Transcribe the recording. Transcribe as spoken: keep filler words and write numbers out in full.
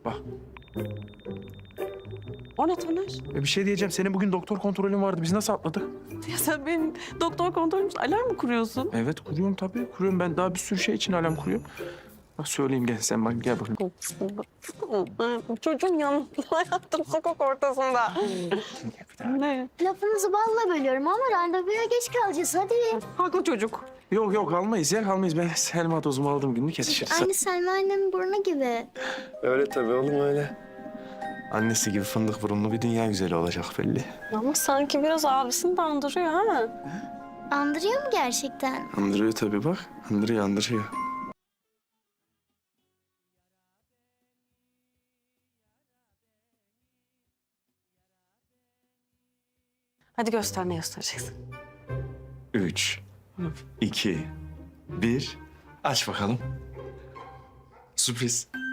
Bak. O ne Taner? E, bir şey diyeceğim. Senin bugün doktor kontrolün vardı. Biz nasıl atladık? Ya sen benim doktor kontrolümüz alarm mı kuruyorsun? Evet kuruyorum tabii. Kuruyorum. Ben daha bir sürü şey için alarm kuruyorum. Bak söyleyeyim gel sen bak gel bakayım. Çocuğun yanında yaptım sokak ortasında. Ne? Lafınızı balla bölüyorum ama randevuya geç kalacağız hadi. Haklı çocuk. Yok yok almayız ya kalmayız. Ben Selma dozumu aldım günlük yetişiriz. Aynı Selma annemin burnu gibi. Öyle tabii oğlum öyle. Annesi gibi fındık burunlu bir dünya güzeli olacak belli. Ama sanki biraz abisini de andırıyor ha. Andırıyor mu gerçekten? Andırıyor tabii bak. Andırıyor andırıyor. Hadi göster ne göstereceksin. Üç, iki, bir. Aç bakalım. Sürpriz.